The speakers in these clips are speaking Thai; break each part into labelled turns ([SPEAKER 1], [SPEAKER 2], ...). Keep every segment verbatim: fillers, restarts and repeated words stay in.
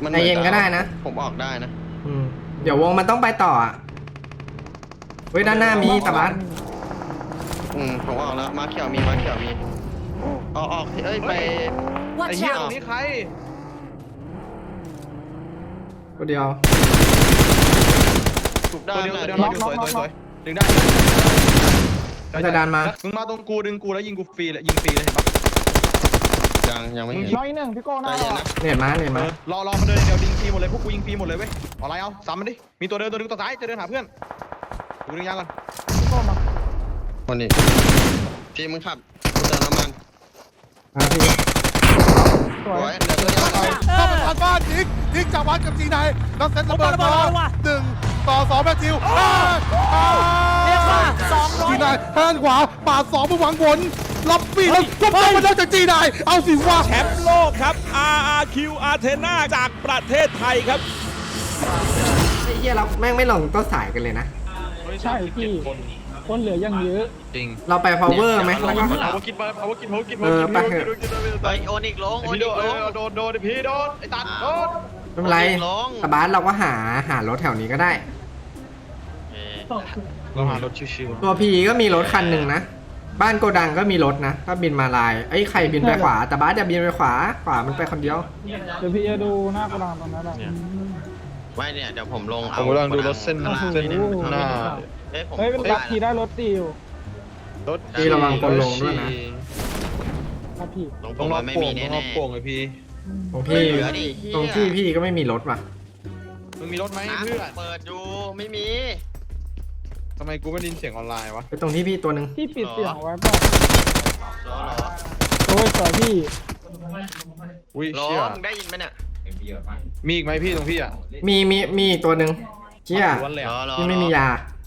[SPEAKER 1] ใจเย็นก็ได้นะ
[SPEAKER 2] ผมออกได้นะ
[SPEAKER 1] อืมเดี๋ยววงมันต้องไปต่ออ่ะเฮ้ยด้านหน้ามีตะบัส
[SPEAKER 2] อืมผมออกแล้วมาเขียวมีมาเขียวมีออกออกเอ้ยไป
[SPEAKER 3] ไอ้เหี้ยตรงนี้ใคร
[SPEAKER 1] ตัวเดียว
[SPEAKER 2] ถูกได้
[SPEAKER 3] ตัวเดียวตัวเดียวสวยสวยสวยดึงได้
[SPEAKER 1] จะดันมา
[SPEAKER 3] มึงมาตรงกูดึงกูแล้วยิงกูฟรีเลยยิงฟรีเลยเห็นปะ
[SPEAKER 2] ยังยังไม่เห็น
[SPEAKER 4] น้อยหนึ่งพี่โก้หน้า
[SPEAKER 1] เน็ตมาเน็ตมาร
[SPEAKER 3] อรอมันเดินเดี๋ยวยิงฟรีหมดเลยพวกกูยิงฟรีหมดเลยเว้ยเอาอะไรเอาซ้ำมันดิมีตัวเดินตัวนึงตัวซ้ายจะเดินหาเพื่อนกูดึงยางก่อน
[SPEAKER 4] พี่โก้มา
[SPEAKER 2] คนนี้พี่มึงขับกูเติมน้ำมัน
[SPEAKER 1] อ่ะพี่
[SPEAKER 4] สวย
[SPEAKER 2] เดี๋ยวตัวนี้
[SPEAKER 5] เข้าไปทางบ้านยิงยิงจากวัดกับจีนายแล้วเซ็ตระเบิดมาหนึ่งต่อสองแมทธิว
[SPEAKER 6] เรียกว่าสองร้อย
[SPEAKER 5] จีนายแทนขวาปาดสองไปหวังผลรับปีแล้วก็ต้องมาได้จากจีนายเอาสิว่า
[SPEAKER 6] แชมป์โลกครับ อาร์ อาร์ คิว Athena จากประเทศไทยครับ
[SPEAKER 1] ไอ้เหี้ยเราแม่งไม่ลงต้นสายกันเลยนะ
[SPEAKER 4] ใช่พี่คนเหลือยังเยอะ
[SPEAKER 3] จริง
[SPEAKER 1] เราไป power ไหม
[SPEAKER 3] เอาวกินไปเอาวกินเอาวกินเอาวกิน
[SPEAKER 2] ไปโอนิกลงโอนิกลง
[SPEAKER 3] โดนโดนพี่โดนไอ้ตัดโดน
[SPEAKER 1] ไม่เป็นไรตะบาสเราก็หาหารถแถวนี้ก็ได้
[SPEAKER 3] เราหารถชิว
[SPEAKER 1] ๆตัวพีก็มีรถคันหนึ่งนะบ้านโกดังก็มีรถนะถ้าบินมาลายไอ้ใครบินไปขวาตะบาสจะบินไปขวาขวามันไปคนเดียว
[SPEAKER 4] เดี๋ยวพี่จะดูหน้ากระดานตรงนั้นแหละ
[SPEAKER 2] ไม่เนี่ยเดี๋ยวผมลงเอา
[SPEAKER 3] ผมกำลังดูรถเส้นเส้นหน้า
[SPEAKER 4] เฮ้ยเป็นรับขี่ได้รถตีอยู่
[SPEAKER 3] รถ
[SPEAKER 1] พี่ระวังคนลงด้วยนะ
[SPEAKER 4] รับพี่
[SPEAKER 2] ลง
[SPEAKER 3] ต้องรอ
[SPEAKER 2] ไม่
[SPEAKER 3] โป่
[SPEAKER 2] มี
[SPEAKER 3] ง
[SPEAKER 2] แน่
[SPEAKER 3] ต้องรอโป่งไอพี่
[SPEAKER 1] ตรงพี่ตรงที่พี่ก็ไม่มีรถว่ะ
[SPEAKER 3] มึงมีรถไหมเพื่อน
[SPEAKER 2] เปิดดูไม่มี
[SPEAKER 3] ทำไมกูไม่ได้ยินเสียงออนไลน์วะ
[SPEAKER 1] ไปตรงที่พี่ตัวหนึ่ง
[SPEAKER 4] พี่ปิดเสียงไว้ป่ะ
[SPEAKER 2] รอรอ
[SPEAKER 4] โอ้ยต่อพี่
[SPEAKER 3] อุ้ย
[SPEAKER 2] รอ
[SPEAKER 3] เชี่ย
[SPEAKER 2] มึงได้ยินไหมเนี่ย
[SPEAKER 3] มีอีกไหมพี่ตรงพี่อ่ะ
[SPEAKER 1] มีมีมีตัวหนึ่งเชี่ยพี่ไม่มียา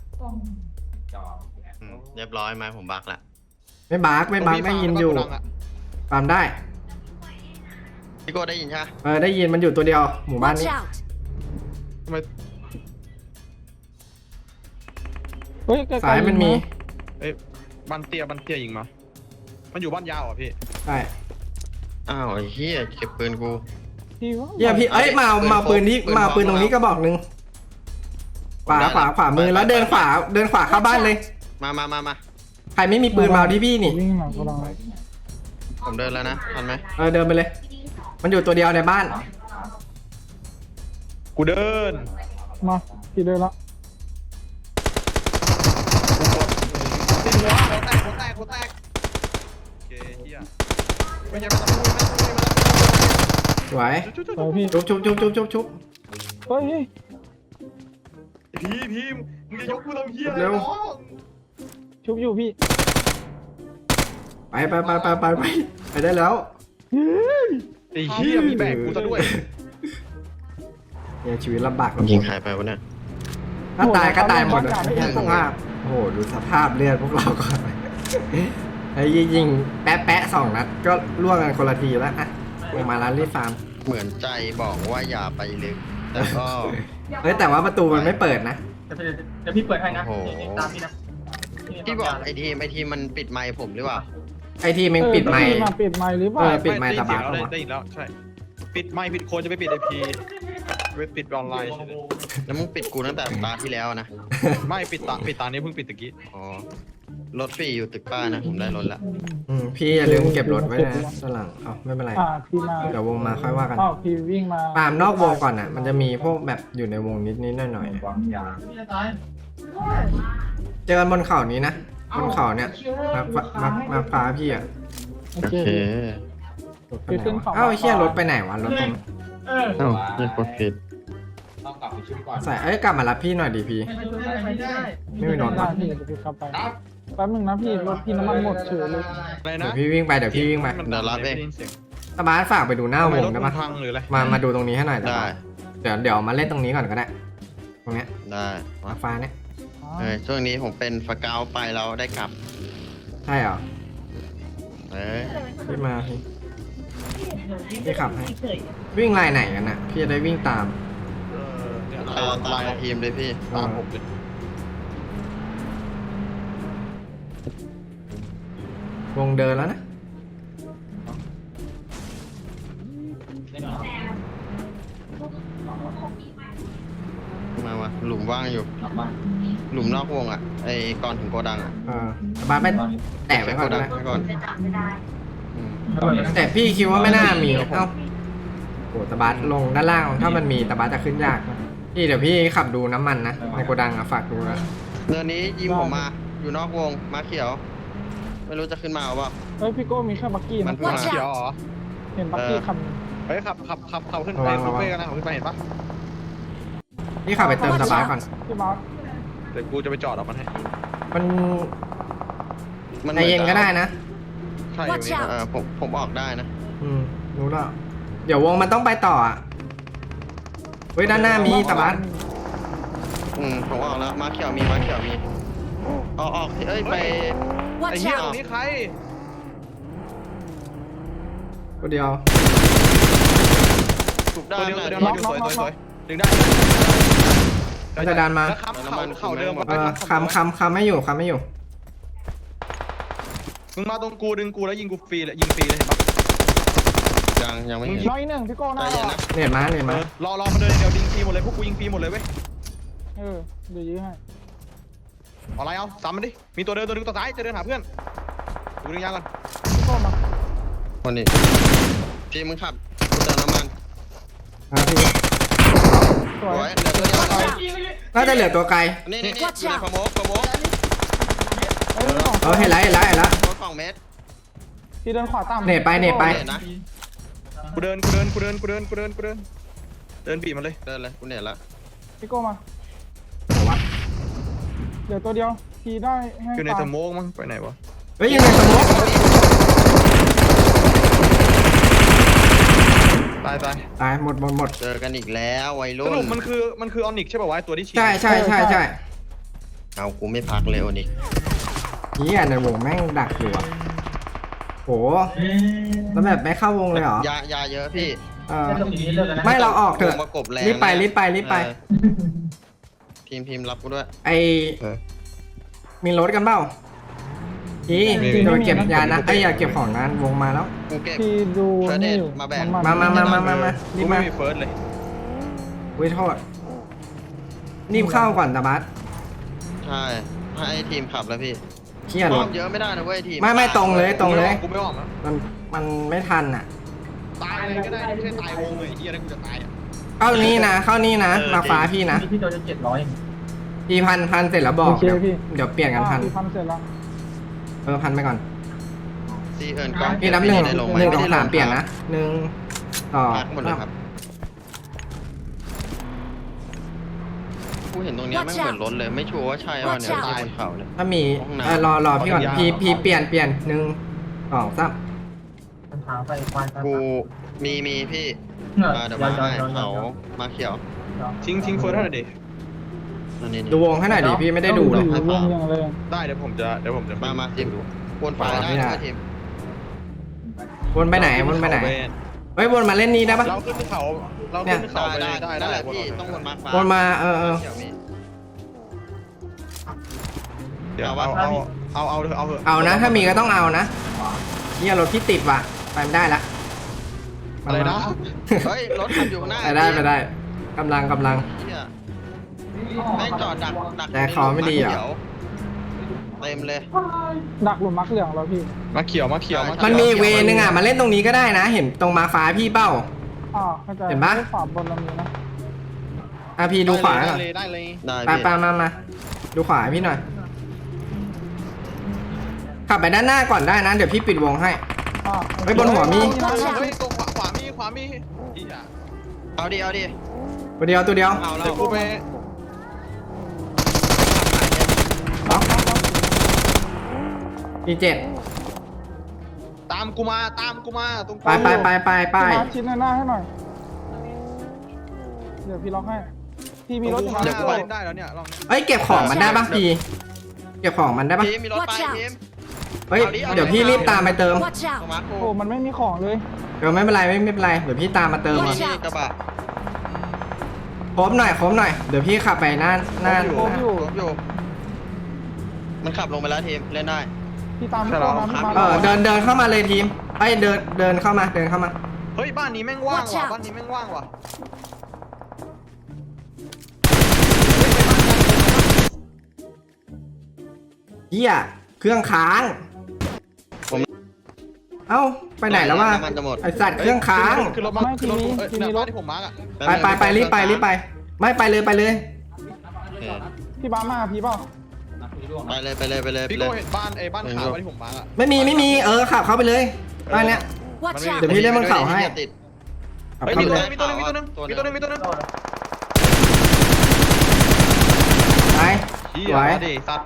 [SPEAKER 2] เรียบร้อยไหมผมบักละ
[SPEAKER 1] ไม่บักไม่บักได้ยินอยู่ตามได้
[SPEAKER 2] พี่โก้ได้ยินใช่ไหม
[SPEAKER 1] เออได้ยินมันอยู่ตัวเดียวหมู่บ้านนี้
[SPEAKER 3] ทำไม
[SPEAKER 4] เฮ้ย
[SPEAKER 1] สายมันมี
[SPEAKER 3] เอ้ยบันเตียบันเตียยิงมามันอยู่บ้านยาวอ่ะพี่
[SPEAKER 1] ใช่
[SPEAKER 2] อ้าวไอ้เหี้ยเก็บปืนกู
[SPEAKER 1] เหี้ยพี่เอ้ยมามาปืนนี้มาปืนตรงนี้ก็บอกหนึ่งขวาขวาขวามือแล้วเดินขวาเดินขวาเข้าบ้านเลย
[SPEAKER 2] มามามามา
[SPEAKER 1] ใครไม่มีปืนมาที่พี่นี่
[SPEAKER 2] ผมเดินแล้วนะทันไหม
[SPEAKER 1] เออเดินไปเลยมันอยู่ตัวเดียวในบ้าน
[SPEAKER 3] กูเดิน
[SPEAKER 4] มาพี่เดินละ
[SPEAKER 3] ติดหัวหัวแตกหัวแตกหัวแตกโอเคเฮียไม่ใช่ไม่ต้องพูดไม่ต้องพูด
[SPEAKER 1] สวยชุบชุบชุบชุบชุบชุบ
[SPEAKER 4] เฮ้ย
[SPEAKER 3] พี่พี่มึงจะยกกูทำเฮีย
[SPEAKER 1] เร็ว
[SPEAKER 4] ชุบอยู่พี่
[SPEAKER 1] ไปไปไปไปไปไปไปได้แล้ว
[SPEAKER 3] ไอ้เฮียมีแบกกูซะด้วย
[SPEAKER 1] เนี่ยชีวิตลำบาก
[SPEAKER 2] ยิงใครไปวะเนี่ย
[SPEAKER 1] ถ้าตายก็ตายหมดเลยสภาพโอ้โหดูสภาพเลือดพวกเราก่อนไอ้ยิงแปะแปะสองนัดก็ล่วงกันคนละทีแล้วอะลงมาร้านรีฟาร์ม
[SPEAKER 2] เหมือนใจบอกว่าอย่าไปลึกแต่ก็
[SPEAKER 1] เฮ้ยแต่ว่าประตูมันไม่เปิดนะ
[SPEAKER 4] เดี๋ยวพี่เปิดให้นะตามพี่นะ
[SPEAKER 2] พี่บอกไอทีมไอทีมมันปิดไมค์ผมหรือเปล่า
[SPEAKER 1] ไอทีมมันปิดไมค์
[SPEAKER 4] ปิดไมค์หรือเปล่า
[SPEAKER 1] ปิดไมค์ตาบาด
[SPEAKER 3] ได้ยินแล้วใช่ปิดไมค์ปิดโคนจะไปปิดไอพีไปปิดออนไลน์ใช่ไหม
[SPEAKER 2] แล้วมึงปิดกูตั้งแต่ตาที่แล้วนะ
[SPEAKER 3] ไม่ปิดตาปิดตานี้เพิ่งปิดตะกี้
[SPEAKER 2] อ๋อรถฟรีอยู่ตึกป้านะผมได้รถละ
[SPEAKER 1] อืมพี่อย่าลืมเก็บรถไว้นะด้านหลังเอาไม่เป็นไรเดี๋ยววงมาค่อยว่ากัน
[SPEAKER 4] อ้าวพี่วิ่งมา
[SPEAKER 1] ตามนอกวงก่อนอ่ะมันจะมีพวกแบบอยู่ในวงนิดนิดหน่อยหน่อยเจอกันบนเขานี้นะบนเขาเนี่ยมามามาฟ้าพี่อ่ะ
[SPEAKER 4] โอเค
[SPEAKER 1] เอ้าเชี่ยรถไปไหนวะรถตรง
[SPEAKER 2] เอ้าเล่นกดผิด
[SPEAKER 1] ใส่เอ้ยกลับมารับพี่หน่อยดิพี่ไม่มีรถปะ
[SPEAKER 4] แป๊บนึงนะพี่รถพี่น้ำมันหมดเฉยเลย
[SPEAKER 1] เดี๋ยวพี่วิ่งไปเดี๋ยวพี่วิ่งไป
[SPEAKER 2] เดี๋ยวรับเอง
[SPEAKER 1] ตาบ้านฝากไปดูหน้าวงได้ปะมามาดูตรงนี้ให้หน่อย
[SPEAKER 2] ได้
[SPEAKER 1] เดี๋ยวเดี๋ยวมาเล่นตรงนี้ก่อนก็ได้ตรงเนี้ย
[SPEAKER 2] ได้
[SPEAKER 1] ฟ้าเนี่ย
[SPEAKER 2] เออช่วงนี้ผมเป็นฟกาวไปเราได้กลับ
[SPEAKER 1] ใช่เหรอ
[SPEAKER 2] เอ้ย
[SPEAKER 1] พี่มาพี่พี่ขับให้วิ่งลายไหนกันน่ะพี่จะได้วิ่งตาม
[SPEAKER 2] ตามตามทีมเลยพี่ตามผมเลยว
[SPEAKER 1] งเดินแล้วนะ
[SPEAKER 2] มามาหลุมว่างอยู่ หลุมนอกวงอ่ะไอ้ก่อนถึงโกดังอ่ะ
[SPEAKER 1] เออตะบาสไปแตะไว้ก่อน
[SPEAKER 2] โกดัง
[SPEAKER 1] นะ
[SPEAKER 2] ไว้ก่อนอืม
[SPEAKER 1] แต่พี่คิดว่าไม่น่ามีเอ้าโอ้ตะบาสลงด้านล่างถ้ามันมีตะบาสจะขึ้นยากนะพี่เดี๋ยวพี่ขับดูน้ำมันนะในโกดังอะฝากดูนะ
[SPEAKER 2] เนินนี้ยิงผมมาอยู่นอกวงมาเขียว ไม่รู้จะขึ้นมาเอาเปล่า
[SPEAKER 4] เฮ้ยพี่โก้มีแค่บักกี้
[SPEAKER 2] มั
[SPEAKER 4] นะ
[SPEAKER 2] นเพิ่งมา
[SPEAKER 3] เขียวเหรอ
[SPEAKER 4] เห็นบักกี้คัน
[SPEAKER 3] เฮ้ยขับขับขับขับขึ้นไปขับไปกันนะขับขึ้นไปเห็นปะ
[SPEAKER 1] พี่ขับไปเติมตะบาสก่อน
[SPEAKER 4] พี่บาส
[SPEAKER 3] เดี๋ยวกูจะไปจอดเอามันให้
[SPEAKER 1] มัน
[SPEAKER 2] มัน
[SPEAKER 1] ใจเย็นก็ได้นะ
[SPEAKER 3] ใช่อยู่นี่
[SPEAKER 2] เออผมผมออกได้นะ
[SPEAKER 1] อืมรู้แล้วเดี๋ยววงมันต้องไปต่ออ่ะเฮ้ยด้านหน้ามีตะบาส
[SPEAKER 2] อืมผมออกแล้วมาเขียวมีมาเขียวมีออกออกเอ้ยไป
[SPEAKER 3] ไอ้เหี้ยตรงนี้ใคร
[SPEAKER 1] ตัวเดียว
[SPEAKER 2] ถูกด้า
[SPEAKER 3] ตัวน เดียว
[SPEAKER 2] น่ะ
[SPEAKER 3] ตัวเดียวเราอยู่สวยสวยสวยดึงได้
[SPEAKER 1] มันจะดันมา
[SPEAKER 3] แล้วค้ำเข่าเข่าเดิม
[SPEAKER 1] เออคำคำคำไม่อยู่คำไม่อยู่
[SPEAKER 3] มึงมาตรงกูดึงกูแล้วยิงกูฟรีเลยยิงฟรีเลยเห็นปะ
[SPEAKER 2] ยังยังไม่เห็น
[SPEAKER 4] น้อยหนึ่งพี่โก้ห
[SPEAKER 2] ใจ
[SPEAKER 4] น้า
[SPEAKER 2] เย็น
[SPEAKER 4] เรา
[SPEAKER 2] นะ
[SPEAKER 1] เนียดมาเนียด
[SPEAKER 3] เอ
[SPEAKER 1] มา
[SPEAKER 3] อรอรอมันเดินเดี๋ยวยิงฟรีหมดเลยพวกกูยิงฟรีหมดเลยเว้ย
[SPEAKER 4] เออเดี๋ยวยื้อให้
[SPEAKER 3] เอาอะไรเอาซ้ำมันดิมีตัวเดินตัวนึงตัวซ้ายจะเดินหาเพื่อนกูดึงยางก่อน
[SPEAKER 4] พี่โก้มา
[SPEAKER 2] คนนี้พี่มึงขับกูเติมน้ำมัน
[SPEAKER 1] อ่ะพี่
[SPEAKER 4] สว
[SPEAKER 2] โอ้
[SPEAKER 4] ย
[SPEAKER 2] ยเหลือตัวเดียว
[SPEAKER 1] น่าจะเหลือตัวไกล
[SPEAKER 2] นี่นี่นี่อยู่ในขโมกขโมก
[SPEAKER 4] เอ้ยสอง
[SPEAKER 1] เออเห็นแล้วเห็นแล้วเห็นแล้ว
[SPEAKER 2] รถสองเมตร
[SPEAKER 4] พี่เดินขวาต่ำ
[SPEAKER 1] เน็ตไปเน็ตไป
[SPEAKER 2] เห็นนะ
[SPEAKER 3] กูเดินกูเดินกูเดินกูเดินกูเดินกูเดินเดินบีบมันเลย
[SPEAKER 2] เดินเลยกูเห็นแล้ว
[SPEAKER 4] พี่โก้มา
[SPEAKER 1] ไหนวะ
[SPEAKER 4] เดี๋ยวตัวเดียวพี่ได้ให้
[SPEAKER 3] อยู่ใน
[SPEAKER 4] ตาม
[SPEAKER 3] สโมกมั้งไปไหนวะ
[SPEAKER 1] เฮ้ยยังไงสมมติ
[SPEAKER 3] ตายตาย
[SPEAKER 1] ตายหมดหมดหมด
[SPEAKER 2] เจอกันอีกแล้ววัย
[SPEAKER 3] ส
[SPEAKER 2] รุ่น
[SPEAKER 3] รุปมันคือมันคือออนิกใช่ป่าววะตัวที่ฉีด
[SPEAKER 1] ใช่ใช่ใช่ใช่
[SPEAKER 2] เอากูไม่พักเลยโอนิก
[SPEAKER 1] เฮียในวงแม่งดักอยู่อ่ะโหแล้วแบบไม่เข้าวงเลยเหรอย
[SPEAKER 2] ายาเยอะพี่
[SPEAKER 1] เออไม่เราออกเถอะ
[SPEAKER 2] วงประกบแรง
[SPEAKER 1] รีบไปรีบไปรีบไป
[SPEAKER 2] เออพิมพ์พิมพ์รับกูด้วย
[SPEAKER 1] ไอ
[SPEAKER 2] เออ
[SPEAKER 1] มีรถกันเปล่าพี่จะไปเก็บยานะไอยอย่าเก็บของนั้นวงมาแล้ว
[SPEAKER 2] กูเก็บ
[SPEAKER 4] พี่ดู
[SPEAKER 2] เฟอร์เด
[SPEAKER 4] นี่
[SPEAKER 2] ท
[SPEAKER 4] อยู่
[SPEAKER 2] มาแบ่ง
[SPEAKER 4] น้ำน
[SPEAKER 1] มามามามามามา
[SPEAKER 3] กู
[SPEAKER 1] รีบ
[SPEAKER 3] ไม่
[SPEAKER 1] มา
[SPEAKER 3] มีเฟิร์สเลย
[SPEAKER 1] วิโทษรีบเข้าก่อนตะบัส
[SPEAKER 2] ใช่ให้ทีมขับแล้วพี่
[SPEAKER 1] เครียด
[SPEAKER 2] ร
[SPEAKER 1] ร
[SPEAKER 2] อ
[SPEAKER 1] ถ
[SPEAKER 2] บเยอะไม่ได้นะเว้ยทีม
[SPEAKER 1] ไม่ไม่ตรงเลยตรงเลย
[SPEAKER 3] กูไม่ออกนะ
[SPEAKER 1] มันมันไม่ทันอ่ะ
[SPEAKER 3] ตายเลยก็ได้ไม่ใช่ตายวงเลยไอ้เหี้ยแล้วกูจะตายอ่ะ
[SPEAKER 1] เข้านี่นะเข้านี่นะ
[SPEAKER 3] เออ
[SPEAKER 1] มาฟ้าพี่นะ
[SPEAKER 7] พี่โดนจะเจ็ดร้อย
[SPEAKER 1] พี่พันพันเสร็จแล้วบอก
[SPEAKER 4] โอเค
[SPEAKER 1] เดี๋ยว
[SPEAKER 4] พี่
[SPEAKER 1] เดี๋ยวเปลี่ยนกันพัน
[SPEAKER 4] พี่พันเสร็จแล้ว
[SPEAKER 1] เออพันไปก่อน
[SPEAKER 2] ซีเอิร์นกล้อง
[SPEAKER 1] พี่นับหนึ่ง
[SPEAKER 2] ได้ลงไหม
[SPEAKER 1] หนึ่งส
[SPEAKER 2] ไได้
[SPEAKER 1] องสาม
[SPEAKER 2] ล
[SPEAKER 1] เปลี่ยนนะหนึ่งต่อ
[SPEAKER 2] พักหมดเลยครับกูเห็นตรงเนี้ยแม่งเหมือนรถเลยไม่ชัวร์ว่าใช่ป่ะเนี่ยที่บนเขาเนี่ย
[SPEAKER 1] ถ้ามี
[SPEAKER 2] ห้องน้ำ
[SPEAKER 1] เออรอรอพี่ก่อนพี่พี่เปลี่ยนเปลี่ยนหนึ่งสองสาม
[SPEAKER 7] มันทางไปควาย
[SPEAKER 2] กูมีมีพี่มาเดี๋ยวมาให้เขามาเขียว
[SPEAKER 3] ทิ้งทิ้งเฟิร์สให้หน่อยดิ
[SPEAKER 2] อันนี้
[SPEAKER 1] ดูวงให้หน่อยดิพี่ไม่ได้ดูเลย
[SPEAKER 4] อยู่วงยังเลย
[SPEAKER 3] ได้เดี๋ยวผมจะเดี๋ยวผมจะ
[SPEAKER 2] มามาทีมวนไฟได้นะทีม
[SPEAKER 1] วนไปไหนวนไปไหนเฮ้ยวนมาเล่นนี้ได้ปะ
[SPEAKER 3] เราขึ้นเขาเราขึ้นเขา
[SPEAKER 2] ได้
[SPEAKER 3] ไป
[SPEAKER 2] ได้
[SPEAKER 3] ได้
[SPEAKER 2] ได้
[SPEAKER 3] ได้
[SPEAKER 2] แหละ
[SPEAKER 3] วน
[SPEAKER 2] พี่
[SPEAKER 3] มา
[SPEAKER 2] ต้องวนมาฟ้า
[SPEAKER 1] วนมาเออเออ
[SPEAKER 2] เขียวมี
[SPEAKER 3] เดี๋ยวเอาเอาเอาเอาเอาเถอะ
[SPEAKER 1] เอานะ ถ้ามีก็ต้องเอานะเนี่ยรถพี่ติดว่ะไปไม่ได้ละ
[SPEAKER 3] อะไรนะ
[SPEAKER 2] เฮ้ยรถขับอยู่ข้างหน้า
[SPEAKER 1] ไปได้ไปได้กำลังกำลัง
[SPEAKER 2] เหี้ยแม่งจอดดักดัก
[SPEAKER 1] แต่เขาไม่ดีเหรอ
[SPEAKER 2] เขียวเต็มเลย
[SPEAKER 4] ดักหลุมมักเหลืองเราพี่
[SPEAKER 3] มาเขียวมาเขียวมา
[SPEAKER 1] มันมีอีกเวนึงอ่ะมาเล่นตรงนี้ก็ได้นะ เห็นตรงมาฟ้าพี่เป้า
[SPEAKER 4] อ่าเข้าใจ
[SPEAKER 1] เห็นปะ
[SPEAKER 4] ขวาบนเรามีนะ
[SPEAKER 1] อ่ะพี่ดูขวา
[SPEAKER 3] ได้
[SPEAKER 1] ก่อน
[SPEAKER 3] เลยได้เลย
[SPEAKER 2] ได้
[SPEAKER 1] ไป
[SPEAKER 2] พี่
[SPEAKER 1] ไปมามาดูขวาให้พี่หน่อยขับไปด้านหน้าก่อนได้นะ เดี๋ยวพี่ปิดวงให้
[SPEAKER 4] อ่า
[SPEAKER 1] เฮ้ยบนหัวมี
[SPEAKER 3] เฮ้ยตรงขวาขวามีขวามีอีอ่ะ
[SPEAKER 2] เอาดิเอาดิ
[SPEAKER 1] ตัวเดียวตัวเดียว
[SPEAKER 2] เอาแล้
[SPEAKER 3] เดี๋ยว วกูไป
[SPEAKER 1] ล็อกอีเจ็ด
[SPEAKER 3] ตามกูมาตามกูมาตรง
[SPEAKER 1] ไปไปไปไปไป
[SPEAKER 4] พี่มาชิ้นหน้าให้หน่อย เดี๋ยวพี่ล็อกให้ พี่มีรถอยู่
[SPEAKER 3] เดี๋ยวกู
[SPEAKER 4] มา
[SPEAKER 3] เล่นได้แล้วเนี่ยลอง
[SPEAKER 1] เอ้ยเก็บของมันได้ปะพี่เก็บของมันได้ปะ
[SPEAKER 2] ทีมมีรถไปทีม
[SPEAKER 1] เฮ้ยเดี๋ยวพี่รีบตามไปเติม
[SPEAKER 2] ตรงมาโค
[SPEAKER 4] โอ้มันไม่มีของเลย
[SPEAKER 1] เดี๋ยวไม่เป็นไรไม่ไม่เป็นไรเดี๋ยวพี่ตามมาเติม
[SPEAKER 2] มี
[SPEAKER 1] อ่ะ
[SPEAKER 2] นี่กระบะ
[SPEAKER 1] โค้มหน่อยโค้มหน่อยเดี๋ยวพี่ขับไปหน้าหน้า
[SPEAKER 4] โอ้อยู่
[SPEAKER 2] รถอยู่มันขับลงไปแล้วทีมเล่นได้
[SPEAKER 4] พี่ตามพี่โก้นะพี่มา
[SPEAKER 1] เออเดินเดินเข้ามาเลยทีมไอ้ยเดินเดินเข้ามาเดินเข้ามา
[SPEAKER 3] เฮ้ยบ้านนี้แม่งว่างว่ะบ้านนี้แม่งว่างว่ะ
[SPEAKER 1] ฮียเครื่องค้าง
[SPEAKER 2] ผม
[SPEAKER 1] เอ้าไปไหนแล้ววะ
[SPEAKER 2] น้ำมันจะหมด
[SPEAKER 1] ไอสัตว์เครื่องค้าง
[SPEAKER 3] คือรถมาคือรถเอ้ยหน้าบ้านที่ผมมาร์กอ่ะ
[SPEAKER 1] ไปไปไปรีบไปรีบไป ไม่ไปเลยไปเลย
[SPEAKER 2] โอเค
[SPEAKER 4] พี่บ้ามาพี่เปล่า
[SPEAKER 2] ไปเลยไปเลยไปเลยไป
[SPEAKER 3] พี่
[SPEAKER 2] เล
[SPEAKER 3] โก้
[SPEAKER 2] ย
[SPEAKER 3] เห็นบ้านไอ้บ้านขาวบ้านที่ผมมาร์กอ่ะ
[SPEAKER 1] ไม่มีไม่มีเออขับเข้าไปเลยบ้านเนี้ย
[SPEAKER 8] Watch
[SPEAKER 1] เดี๋ยว
[SPEAKER 8] out!
[SPEAKER 1] พี่เล่นบนเขาให้
[SPEAKER 2] ติด
[SPEAKER 1] ขับ
[SPEAKER 3] เฮ้ย
[SPEAKER 1] เข้า
[SPEAKER 3] มี
[SPEAKER 1] ไป
[SPEAKER 3] ตัว
[SPEAKER 1] เลย
[SPEAKER 3] นึงมีตัวนึงมีตัวนึงมีตัวนึงมีตัวนึง
[SPEAKER 1] ไป
[SPEAKER 3] เฮี
[SPEAKER 1] สวย
[SPEAKER 3] ยดิสัตว์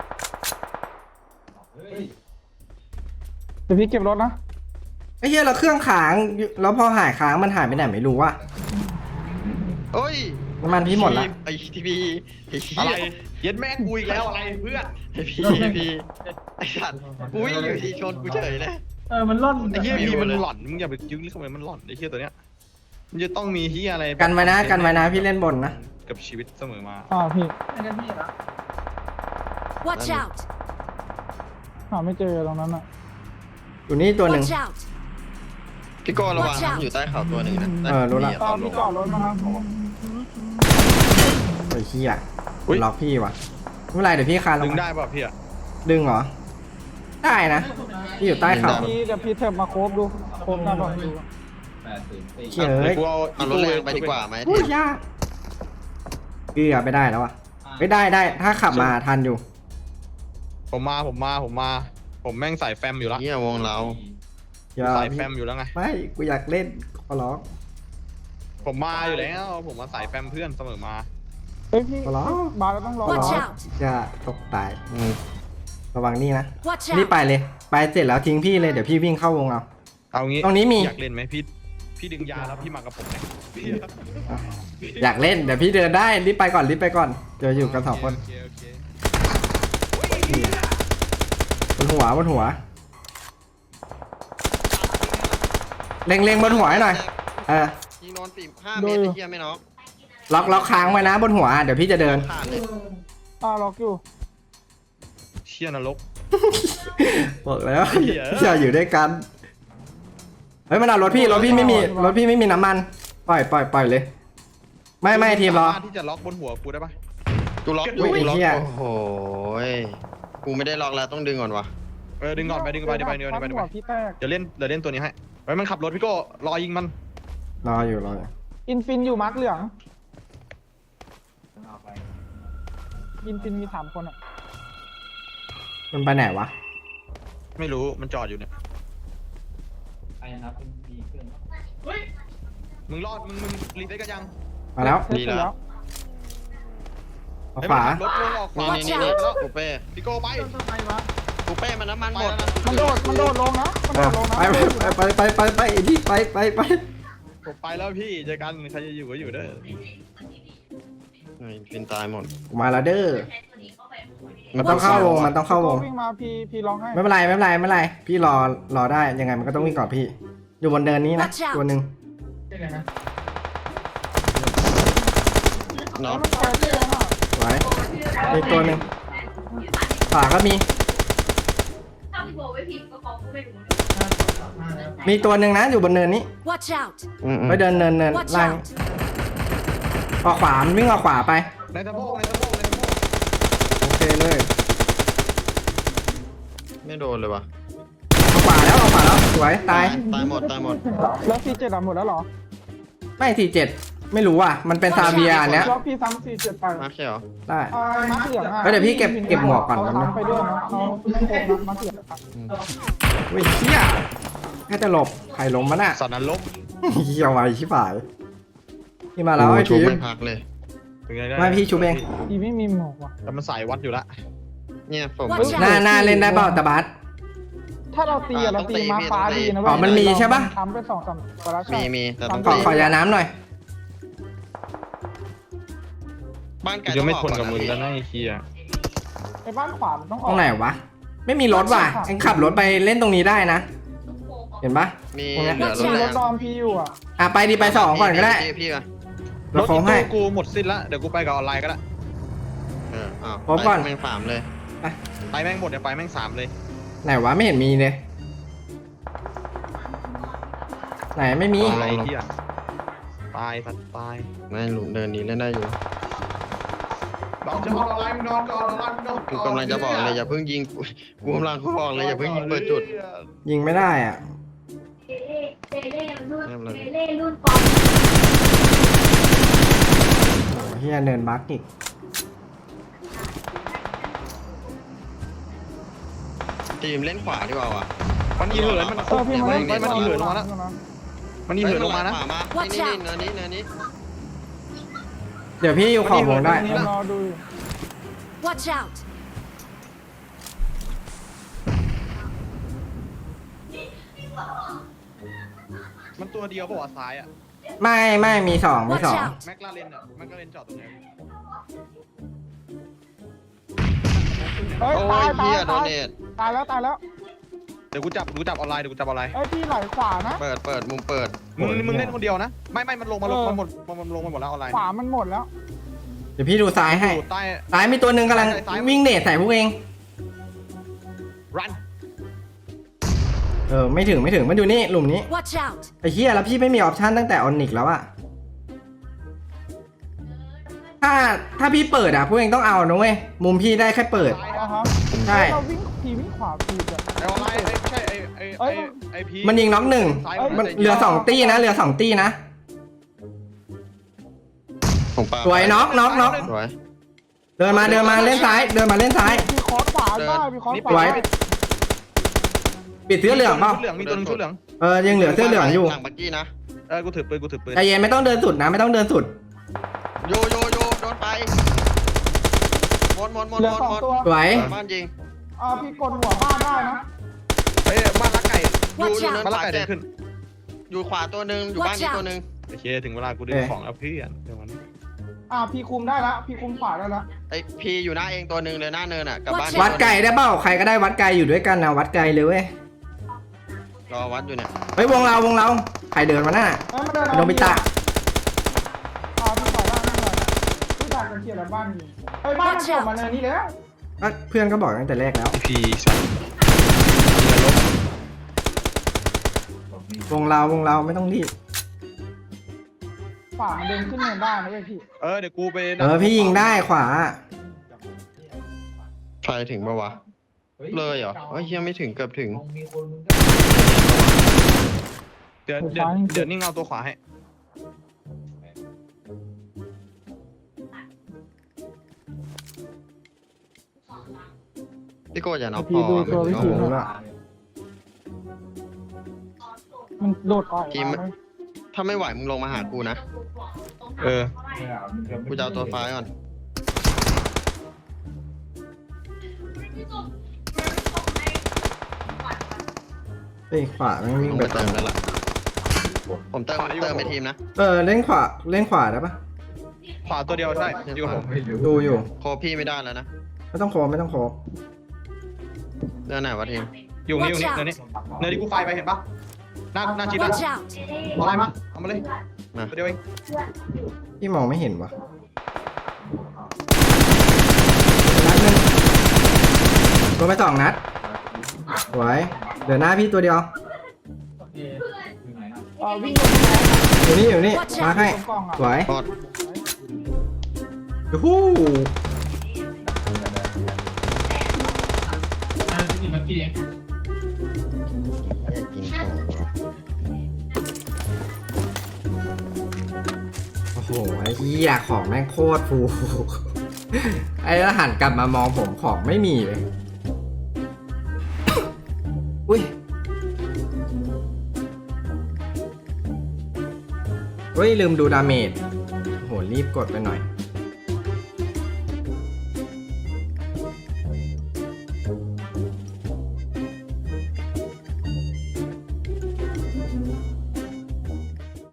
[SPEAKER 4] เดี๋ยวพี่เก็บรถนะ
[SPEAKER 1] ไอ้เหี้ยเราเครื่องค้างแล้วพอหายค้างมันหายไปไหนไม่รู้ว่ะ
[SPEAKER 2] โอ้ย
[SPEAKER 1] น้ำมันพี่หมดละ
[SPEAKER 2] ไอ้ทีพีไอ้เหี้
[SPEAKER 3] อะไร
[SPEAKER 2] ย
[SPEAKER 3] เย็นแม่กูอีกแล้วอะไรเพื่อน
[SPEAKER 2] ไอ้พีพีไอ้สัตว์อุ้ยอยู่ที่ชนกูเฉยเลย
[SPEAKER 7] เออมันล่น
[SPEAKER 3] ไอ้เฮียพีมันหล่อนมึงอย่าไปยึกเข้าไปมันหล่อนไอ้เฮียตัวเนี้ยมันจะต้องมีเฮียอะไร
[SPEAKER 1] กันไว้นะกันไว้นะพี่เล่นบนนะ
[SPEAKER 3] กับชีวิตเสมอมา
[SPEAKER 4] อ่าพี่
[SPEAKER 7] ไอ้นั่นพี่นะ
[SPEAKER 8] Watch out!
[SPEAKER 4] หาไม่เจอตรงนั้นอ่ะ
[SPEAKER 1] อยู่นี่ตัวหนึ่ง
[SPEAKER 8] Watch out!
[SPEAKER 2] พี่โก้ระวัง
[SPEAKER 8] Watch
[SPEAKER 2] นะ
[SPEAKER 8] out
[SPEAKER 2] อยู่ใต้เขาตัวหนึ่งนะ
[SPEAKER 1] เออรู้ละ
[SPEAKER 4] ตอนพี่จอดรถมาครับ
[SPEAKER 1] ไอ้เหี้ยล็อกพี่ว่ะไม่เป็นไรเดี๋ยวพี่คานล
[SPEAKER 3] ดึ
[SPEAKER 1] ง
[SPEAKER 3] ง
[SPEAKER 1] มา
[SPEAKER 3] ได้ป่ะพี่อะ
[SPEAKER 1] ดึงเหรอได้นะพี่อยู่ใต้เขา
[SPEAKER 4] พี่เดี๋ยวพี่เถิบมาโคบดูโคบหน้าก่อนดู
[SPEAKER 1] เฉย
[SPEAKER 3] กูเอา
[SPEAKER 2] เอารถแรงไปดีกว่าไหม
[SPEAKER 1] พูดยากเกือบไม่ได้แล้วอ่ะไม่ได้ได้ถ้าขับมาทันอยู่
[SPEAKER 3] ผมมาผมมาผมมา ผมแม่งใส่แฟมอยู่แล้ว
[SPEAKER 2] เหี้ยวงเรา
[SPEAKER 1] อย่า
[SPEAKER 3] ใส่แฟมอยู่แล้วไง
[SPEAKER 1] ไม่กูอยากเล่นขอร้อง
[SPEAKER 3] ผมมาอยู่แล้ว ผมมาใส่แฟมเพื่อนเสมอมา
[SPEAKER 4] เฮ้ยพี่
[SPEAKER 1] ขอร้อง
[SPEAKER 4] บาร์แล้วต้องรอ
[SPEAKER 1] ขอร้
[SPEAKER 8] Watch
[SPEAKER 1] อง
[SPEAKER 8] out
[SPEAKER 1] อย่าตกตายอืมระวังนี่นะ
[SPEAKER 8] Watch
[SPEAKER 1] รีบ
[SPEAKER 8] out!
[SPEAKER 1] ไปเลย ไปเสร็จแล้วทิ้งพี่เลยเดี๋ยวพี่วิ่งเข้าวงเอา
[SPEAKER 3] เอางี้
[SPEAKER 1] ตรงนี้มี
[SPEAKER 3] อยากเล่นไหมพี่พี่ดึงยาแล้วพี่มากับผมไหมพี่
[SPEAKER 1] อยากเล่นเดี๋ยวพี่เดินได้รีบไปก่อนรีบไปก่อนเดี๋ยวอยู่กันสองคน
[SPEAKER 3] โเคโอเค
[SPEAKER 1] บนหัวบนหัวเล็งเล็งบนหัวให้หน่อยเออ
[SPEAKER 2] ยิงโดนสี่ห้าเมตรไอ้เหี้ยไม่น็อก
[SPEAKER 1] ล็อกล็อกค้างไว้นะบนหัวเดี๋ยวพี่จะเดิน
[SPEAKER 2] ขาดเลย
[SPEAKER 4] อ่าล็อกอยู่
[SPEAKER 3] เชี่ยนรก
[SPEAKER 1] บอกแล้ว
[SPEAKER 3] เหี้ย
[SPEAKER 1] อย่าอยู่ด้วยกันเฮ้ยมันเอารถพี่รถพี่ไม่มีรถพี่ไม่มีน้ำมันปล่อยปล่อยปล่อยเลย ไม่ไม่ทีมรอ
[SPEAKER 3] สาารถที่จะล็อกบนหัวกูได้ปะ
[SPEAKER 2] กูล็อก
[SPEAKER 1] อุ้ย
[SPEAKER 2] กูล็อก
[SPEAKER 1] ไอ้เหี้ย
[SPEAKER 2] โอ้โหยกูไม่ได้ล็อกแล้วต้องดึงก่อนวะ
[SPEAKER 3] เออดึงก่อนไปดึงไปดึงไปดึงไปดึงไปดึง
[SPEAKER 4] หั
[SPEAKER 3] ไป
[SPEAKER 4] วพี่แตก
[SPEAKER 3] เดี๋ยวเล่นเดี๋ยวเล่นตัวนี้ให้ไว้มันขับรถพี่โก้รอยิงมัน
[SPEAKER 1] รออยู่รออยู่
[SPEAKER 4] อินฟินอยู่มาร์กเหลืองอินฟินมีสามคนอ่ะ
[SPEAKER 1] มันไปไหนวะ
[SPEAKER 3] ไม่รู้มันจอดอยู่เนี่ย
[SPEAKER 7] ไอ้นะครับมีเครื่อง
[SPEAKER 3] มึงรอดมึงมึงรีเซ็ตกันยัง
[SPEAKER 1] มาแล้ว
[SPEAKER 4] เสร็จแล้ว
[SPEAKER 1] เอาขวา
[SPEAKER 3] เฮ้ยมันขับรถลงออกขวา
[SPEAKER 2] นี่นี่นี่
[SPEAKER 3] แล้ว
[SPEAKER 2] กูเป้
[SPEAKER 3] พี่โก้ไป
[SPEAKER 2] กูเป้มันน้ำมันหมด
[SPEAKER 4] มันโดดมันโดดลงนะมัน
[SPEAKER 1] เอ
[SPEAKER 4] โด
[SPEAKER 1] อ
[SPEAKER 4] ดลงนะ
[SPEAKER 1] ไปไปไปไปไปไปไอ้ที่ไปไปไป
[SPEAKER 3] ผมไปแล้วพี่เจอกันใครจะอยู่ก็อยู่เด้อ
[SPEAKER 2] ไอ้ฟินตายหมด
[SPEAKER 1] มาแล้วเด้อมันต้องเข้าวงมันต้องเข้าวง
[SPEAKER 4] วิ่งมาพี่พี่ร้องให้
[SPEAKER 1] ไม่เป็นไรไม่เป็นไรไม่เป็นไรพี่รอรอได้ยังไงมันก็ต้องวิ่งก่อนพี่ อยู่บนเดินนี้นะ
[SPEAKER 8] Watch out
[SPEAKER 1] ตัวหนึ่ง
[SPEAKER 2] น็อก
[SPEAKER 4] มันไปที่ไหนอ่ะ
[SPEAKER 1] สวยอีกตัวหนึ่งขวาก็มี
[SPEAKER 9] ถ้าพี่โบไม่ผิดก็ฟ้องกูไม่รู้
[SPEAKER 1] มีตัวหนึ่งนะอยู่บนเนินนี้
[SPEAKER 8] Watch out!
[SPEAKER 2] อืมอืม
[SPEAKER 1] ไปเดินเนินเนิน
[SPEAKER 8] Watch
[SPEAKER 1] ล่าง
[SPEAKER 8] out!
[SPEAKER 1] ออกขวามันวิ่งออกขวาไป
[SPEAKER 3] ในสะโพกในสะโพกในสะโพก
[SPEAKER 1] โอเคเลย
[SPEAKER 2] ไม่โดนเลยวะ
[SPEAKER 1] ออกขวาแล้วออกขวาแล้วสวยตาย
[SPEAKER 2] ตายหมดตายหมด
[SPEAKER 4] แล้วซีเจ็ดหมดแล้วเหรอ
[SPEAKER 1] ไม่สี่เจ็ดไม่รู้ว่ะมันเป็นซาเบียอันเนี้ย
[SPEAKER 4] แล้วพี่ซ้ำซีเจ็ดไป
[SPEAKER 2] มาเขียว
[SPEAKER 1] ได้
[SPEAKER 4] อ่ามาร์กเหลืองอ่ะ
[SPEAKER 1] เฮ้ยเดี๋ยวพี่เก็บเก็บหมวกก่อน
[SPEAKER 4] เขา
[SPEAKER 1] แป๊บนึง
[SPEAKER 4] ซ้ำไปด้วยนะเขาไม่โคบนะมาร์กเหลืองอะ
[SPEAKER 1] เฮ้ยเฮียแค่จะหลบใครล้มมันอ่ะ
[SPEAKER 3] สัตว์นั้นลบ
[SPEAKER 1] เฮียไวชิบหายพี่มาแล้ว
[SPEAKER 2] โอ้
[SPEAKER 1] ไอ้
[SPEAKER 2] ชุบ
[SPEAKER 1] ทีม
[SPEAKER 2] ไม่พักเลย
[SPEAKER 3] เป็นไงได้
[SPEAKER 1] ไม่พี่ชูเอง
[SPEAKER 4] พี่ไม่มีหมวกว่ะ
[SPEAKER 3] แต่มันสายวัดอยู่ละ
[SPEAKER 2] เนี่ยผม
[SPEAKER 8] Watch out
[SPEAKER 1] หน้าหน้าเล่นได้เปล่าตะบัส
[SPEAKER 4] ถ้าเราตีอะเราตีมาร์กฟ้าดีนะเว้ย
[SPEAKER 1] อ๋อมันมีใช่ปะ
[SPEAKER 4] ทำไปสองสามกระชา
[SPEAKER 2] มีมีแต่ต้อง
[SPEAKER 1] ขอ
[SPEAKER 2] ตี
[SPEAKER 1] ขอยาน้ำหน่อย
[SPEAKER 2] บ้านไก่
[SPEAKER 3] จะไม่ทน
[SPEAKER 2] ต้
[SPEAKER 3] กั
[SPEAKER 2] อบ งอ
[SPEAKER 3] มึ
[SPEAKER 2] อง ก
[SPEAKER 3] แล้ว
[SPEAKER 2] ก่อน
[SPEAKER 3] นะไอ้เคีย
[SPEAKER 4] ไอ้บ้านขวามันต้องอ
[SPEAKER 1] ต
[SPEAKER 4] อ
[SPEAKER 1] ร
[SPEAKER 4] ก
[SPEAKER 1] งไหนวะ ไม่มีรถว่ะเอ็งขับรถไปเล่นตรงนี้ได้นะ เห็นปะ
[SPEAKER 2] มี
[SPEAKER 1] ตรงเนี้ย
[SPEAKER 2] เหลือรถ
[SPEAKER 4] มี
[SPEAKER 2] แร
[SPEAKER 4] รง ถดอมพี่อยู่อ่ะ
[SPEAKER 1] อ่ะไปดีไปสองก่อนก็ได้
[SPEAKER 2] พี่พี่อะ
[SPEAKER 3] ร
[SPEAKER 1] เรา
[SPEAKER 3] ถ
[SPEAKER 1] โค้ง
[SPEAKER 3] อี
[SPEAKER 1] ให้
[SPEAKER 3] โต้กูหมดสิ้นละเดี๋ยวกูไปกับออนไลน์ก็ได้
[SPEAKER 2] เอออ้าว
[SPEAKER 1] พบก่อน
[SPEAKER 2] ไปแม่งสามเลย
[SPEAKER 3] ไปแม่งหมดเดี๋ยวไปแม่งสามเลย
[SPEAKER 1] ไหนวะไม่เห็นมีเลย ไหนไม่มี
[SPEAKER 3] อะไรเคียตายสัตว์ตาย
[SPEAKER 2] ไม่หลุมเดินนี้เล่นได้อยู่
[SPEAKER 3] ลองจะเอาอะไรมึงนอนก่อนอะไรมึงนอน
[SPEAKER 2] กูกำลังจะบอกเลยอย่าเพิ่งยิงกูกูกำลังบอกเลยอย่าเพิ่งยิงเปิดจุด
[SPEAKER 1] ยิงไม่ได้อ่ะ
[SPEAKER 9] เจเล่เจเล่รุ่นเจเล่รุ่นปอม
[SPEAKER 1] โอ้เฮียเนินบักอีก
[SPEAKER 2] ทีมเล่นขวาดีกว่าวะ
[SPEAKER 3] มันยิงเหินมัน
[SPEAKER 4] เออพี่มาเล่น
[SPEAKER 3] มันมันยิงเหินลงมานะมันยิงเหินลงมานะ
[SPEAKER 2] ขวามานี่นี่เนินนี้เนินนี้
[SPEAKER 1] เดี๋ยวพี่อยู่ขอบวงได้
[SPEAKER 4] นี่รอดู
[SPEAKER 8] Watch out!
[SPEAKER 3] มันตัวเดียวป่าวซ้ายอ่ะ
[SPEAKER 1] ไม่ไม่มีสองมี
[SPEAKER 8] Watch
[SPEAKER 1] สอง
[SPEAKER 8] out!
[SPEAKER 3] แม็กลาเรนอ่ะแม็กลาเรนจอดตรงไหน
[SPEAKER 4] เฮ้ย
[SPEAKER 2] โอ้
[SPEAKER 4] ตาย
[SPEAKER 2] ย
[SPEAKER 4] ตา
[SPEAKER 2] เฮี
[SPEAKER 4] ย
[SPEAKER 2] ยโด
[SPEAKER 4] ตาย
[SPEAKER 2] เนท
[SPEAKER 4] ตายแล้วตายแล้ว
[SPEAKER 3] เดี๋ยวกูจับกูจับออนไลน์เดี๋ยวกูจับออนไลน์
[SPEAKER 4] เอ้ยพี่ไหลขวานะ
[SPEAKER 2] เปิดเปิดมุมเปิด
[SPEAKER 3] มึงมึงเล่นคนเดียวนะไม่ไม่มันลงมาลงมันหมดมันลงมาหมดแล้วออนไลน์
[SPEAKER 4] ขวามันหมดแล้ว
[SPEAKER 1] เดี๋ยวพี่ดูซ้ายให้
[SPEAKER 3] อยู่ใต้
[SPEAKER 1] ซ้ายมีตัวหนึ่งกำลัง
[SPEAKER 3] ซ้าย
[SPEAKER 1] วิ่งเนตใส่พวกเอง
[SPEAKER 3] รัน
[SPEAKER 1] เออไม่ถึงไม่ถึงมันอยู่นี่หลุมนี้
[SPEAKER 8] Watch out!
[SPEAKER 1] ไอ้เฮียแล้วพี่ไม่มีออปชันตั้งแต่ออนิกแล้วอะถ้าถ้าพี่เปิดอะพวกเองต้องเอานะเว้ยมุมพี่ได้แค่เปิด
[SPEAKER 3] ซ้าย
[SPEAKER 4] นะ
[SPEAKER 3] นะ
[SPEAKER 4] ครั
[SPEAKER 1] ใช่
[SPEAKER 4] เราวิ่งทีวิ่งขวาผิดอ่ะ
[SPEAKER 3] ไอออนไลน์ไอใช่ไอไอไอไอพี
[SPEAKER 1] มันยิงน็อกหนึ่ง
[SPEAKER 3] ซ้าย
[SPEAKER 1] มันเหลือสองตี้นะเหลือสองตี้นะ
[SPEAKER 2] ของปา
[SPEAKER 1] สวยน็อกน็อกน็อก
[SPEAKER 2] สวย
[SPEAKER 1] เดินมาเดินมาเล่นซ้าย เดินมาเล่นซ้าย
[SPEAKER 4] มีคอร์สขวาได้มีคอร์ส
[SPEAKER 3] นี่
[SPEAKER 4] ข
[SPEAKER 1] สว
[SPEAKER 4] วาย
[SPEAKER 1] ปิดเสื้อเหลืองเปล่า
[SPEAKER 3] ชุดเหลืองมีตัวนึงชุดเหลือง
[SPEAKER 1] เออยังเหลือเสื้อเหลืองอยู่
[SPEAKER 2] หลังบักกี้นะ
[SPEAKER 3] เออกูถือปืนกูถือปืน
[SPEAKER 1] ใจเย็นไม่ต้องเดินสุดนะ ไม่ต้องเดินสุด
[SPEAKER 2] โยโยโยโดนไปหมดหมดหมด
[SPEAKER 4] เหลื
[SPEAKER 2] ห
[SPEAKER 4] อ
[SPEAKER 2] มด
[SPEAKER 4] สอง
[SPEAKER 2] หมด
[SPEAKER 4] ตัว
[SPEAKER 1] สวย
[SPEAKER 2] บ้านยิง
[SPEAKER 4] อ่าพี่กดหัวบ้านได้นะ
[SPEAKER 3] เฮ้ยบ้านรักไก่
[SPEAKER 2] อยู่อยู่เนิน
[SPEAKER 3] บ้าน
[SPEAKER 2] ข
[SPEAKER 3] รัก
[SPEAKER 2] วา
[SPEAKER 3] ไก่เดิ
[SPEAKER 2] เจ็
[SPEAKER 3] น
[SPEAKER 2] ด
[SPEAKER 3] ขึ้น
[SPEAKER 2] อยู่ขวาตัวหนึ่งอยู่บ้านนี้ตัวหนึ่ง
[SPEAKER 3] โอเคถึงเวลากูดึงของแล้วเพื่อนเดี๋ยวมัน
[SPEAKER 4] อ่าพี่คุมได้แล้วพี่คุมขวาได้แล้ว
[SPEAKER 2] ไอพีอยู่หน้าเองตัวหนึ่งเลยหน้าเนินอ่ะกับบ้าน
[SPEAKER 1] วัดไกลได้เปล่าใครก็ได้วัดไกลอยู่ด้วยกันนะวัดไกลเลยเว้ย
[SPEAKER 2] รอวัดอยู่เนี่ย
[SPEAKER 1] เฮ้ยวงเราวงเราใครเดินมาหน้า
[SPEAKER 4] เอ้ยมันเดิน
[SPEAKER 1] โดมิตะ
[SPEAKER 4] อ่าพี่ขวาได้ไม่เป็นไรพี่ดักกันเขียนแล้วบ้านอยู่เอ้ยบ้านมันจบมาเลยนี่แล้ว
[SPEAKER 1] ก็เพื่อนก็บอกตั้งแต่แรกแล้ว
[SPEAKER 3] พีสัตว์
[SPEAKER 1] วงเราวงเราไม่ต้องรีบ
[SPEAKER 4] ขวามันเดินขึ้นเนินได้นะเว้ยพี่
[SPEAKER 3] เออเดี๋ยวกูไป
[SPEAKER 1] เออพี่ยิงได้ขวา
[SPEAKER 2] ไฟถึงปะวะเลยเหรอเฮ้ยยังไม่ถึงเกือบถึง
[SPEAKER 7] มีคนมึง
[SPEAKER 3] เดี๋ยวเดี๋ยวเดี๋ยวนิ่งเอาตัวขวาให้
[SPEAKER 2] พี่โก้อย่าน็อกพ
[SPEAKER 4] พี่
[SPEAKER 2] อ
[SPEAKER 4] ดูตัววิธี
[SPEAKER 1] โอ้โห
[SPEAKER 4] นะมันโดดออกมาเลย
[SPEAKER 2] ถ้าไม่ไหวมึงลงมาหากูนะ
[SPEAKER 3] เออ
[SPEAKER 2] กูจะเอาตัวไฟก่อน
[SPEAKER 1] เฮ้ยขวาแม่งวิ่ง
[SPEAKER 2] ลง
[SPEAKER 1] ไป
[SPEAKER 2] ไปเติมแล้วล่ะผมเติมเติมไปทีมนะ
[SPEAKER 1] เออเล่นขวาเล่นขวาได้ปะ
[SPEAKER 3] ขวาตัวเดียวใช่อยู่กับผม
[SPEAKER 1] ดูอยู่
[SPEAKER 2] โคพี่ไม่ได้แล้วนะ
[SPEAKER 1] ไม่ต้องโคบไม่ต้องโคบ
[SPEAKER 2] เรื่องไหนวะทีม
[SPEAKER 3] อยู่นี่อยู่นี่เนินนี้เนินที่กูไฟไปเห็นปะหน้าหน้าชิดนะ
[SPEAKER 8] Watch out!
[SPEAKER 3] เอาอะไรมาเอามาเลย
[SPEAKER 2] มา
[SPEAKER 3] ตัวเดียวเอง
[SPEAKER 1] พี่มองไม่เห็นวะนัดหนึ่งโดนไปสองนัดสวยเดี๋ยวหน้าพี่ตัวเดียว
[SPEAKER 7] อยู่ไหนอ่ะ
[SPEAKER 4] อ่าวิ่งลงไป
[SPEAKER 1] อยู่นี่อยู่นี่มาให้
[SPEAKER 4] ตรงกล่องอ่ะ
[SPEAKER 1] สวย
[SPEAKER 2] พอด
[SPEAKER 1] ยูฮู้
[SPEAKER 7] อ่าที่เมื่อกี้เอง
[SPEAKER 2] ยิงของ
[SPEAKER 1] โอ้โหไอ้เหี้ยของแม่งโคตรฟู ไอ้แล้วหันกลับมามองผมของไม่มีเลย อุ้ยเฮ้ยลืมดูดาเมจโหรีบกดไปหน่อย